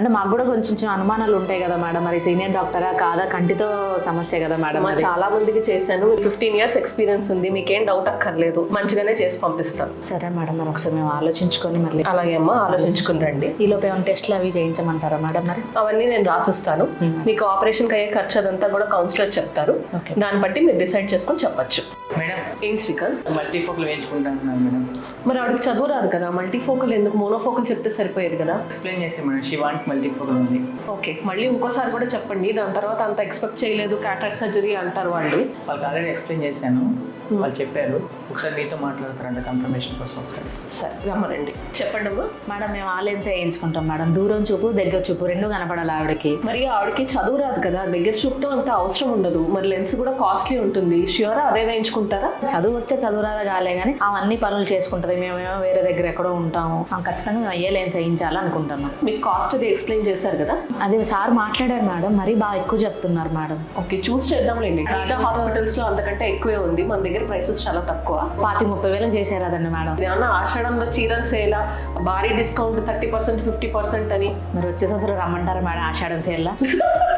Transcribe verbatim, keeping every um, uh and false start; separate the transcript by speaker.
Speaker 1: అంటే మాకు కూడా కొంచెం అనుమానాలు ఉంటాయి కదా మేడం, మరి సీనియర్ డాక్టరా కాదా, కంటితో సమస్య కదా మేడం.
Speaker 2: మా చాలా మందికి చేశాను, ఫిఫ్టీన్ ఇయర్స్ ఎక్స్పీరియన్స్ ఉంది, మీకేం డౌట్ అక్కర్లేదు, మంచిగానే చేసి పంపిస్తాను.
Speaker 1: సరే మేడం, మరి ఒకసారి మేము ఆలోచించుకొని మళ్ళీ.
Speaker 2: అలాగే అమ్మా, ఆలోచించుకుని రండి.
Speaker 1: ఈ లోపు ఏమైనా టెస్ట్లు అవి చేయించమంటారా మేడం? మరి
Speaker 2: అవన్నీ నేను రాసిస్తాను. మీకు ఆపరేషన్కి అయ్యే ఖర్చు అదంతా కూడా కౌన్సిలర్ చెప్తారు, దాన్ని బట్టి మీరు డిసైడ్ చేసుకొని చెప్పచ్చు.
Speaker 3: మేడం
Speaker 2: ఏంటి శ్రీకాంత్,
Speaker 3: మల్టీఫోకల్ వేయించుకుంటున్నాను మేడం.
Speaker 2: మరి ఆవిడకి చదువు రాదు కదా, మల్టీఫోకల్ ఎందుకు, మోనోఫోకల్ చెప్తే సరిపోయేది కదా.
Speaker 3: ఎక్స్ప్లెయిన్ చేసాను మేడం, షీ వాంట్ మల్టీఫోకల్ ఉంది.
Speaker 2: ఓకే, మళ్ళీ ఇంకోసారి కూడా చెప్పండి, దాని తర్వాత అంత ఎక్స్పెక్ట్ చేయలేదు క్యాటరాక్ట్ సర్జరీ అంటారు వాళ్ళు.
Speaker 3: వాళ్ళకి ఆల్రెడీ ఎక్స్ప్లెయిన్ చేశాను, వాళ్ళు చెప్పారు ఒకసారి మీతో మాట్లాడతారంట కన్ఫర్మేషన్ కోసం. ఒకసారి
Speaker 2: సరే రమ్మనండి, చెప్పండి అమ్మా.
Speaker 1: మేడం మేము ఆ లెన్స్ వేయించుకుంటాం మేడం, దూరం చూపు దగ్గర చూపు రెండు కనపడాలి ఆవిడకి.
Speaker 2: మరి ఆవిడకి చదువు రాదు కదా, దగ్గర చూపుతో అంత అవసరం ఉండదు, మరి లెన్స్ కూడా కాస్ట్లీ ఉంటుంది. ష్యూరా అదే వేయించుకుంటారా?
Speaker 1: చదువు వచ్చే చదువు రాదా కాలే కానీ అవన్నీ పనులు చేసుకుంటుంది, మేమేమో వేరే దగ్గర ఎక్కడో ఉంటాము, ఖచ్చితంగా మేము అయ్యే లెన్స్ వేయించాలనుకుంటున్నాం.
Speaker 2: మీకు కాస్ట్ అది ఎక్స్ప్లెయిన్ చేశారు కదా.
Speaker 1: అది సార్ మాట్లాడారు మేడం, మరీ బాగా ఎక్కువ చెప్తున్నారు మేడం.
Speaker 2: ఓకే, చూస్ చేద్దాంలేండి. మిగతా హాస్పిటల్స్ లో అంతకంటే ఎక్కువే ఉంది, మన దగ్గర ప్రైసెస్ చాలా తక్కువ.
Speaker 1: పాతి ముప్పై వేలు చేశారు అదండి మేడం.
Speaker 2: ఏమన్నా ఆషాఢంలో చీరలు సేలా భారీ discount thirty percent fifty percent అని.
Speaker 1: మరి వచ్చేసి అసలు రమ్మంటారా మేడం ఆషాఢం సేల్లా?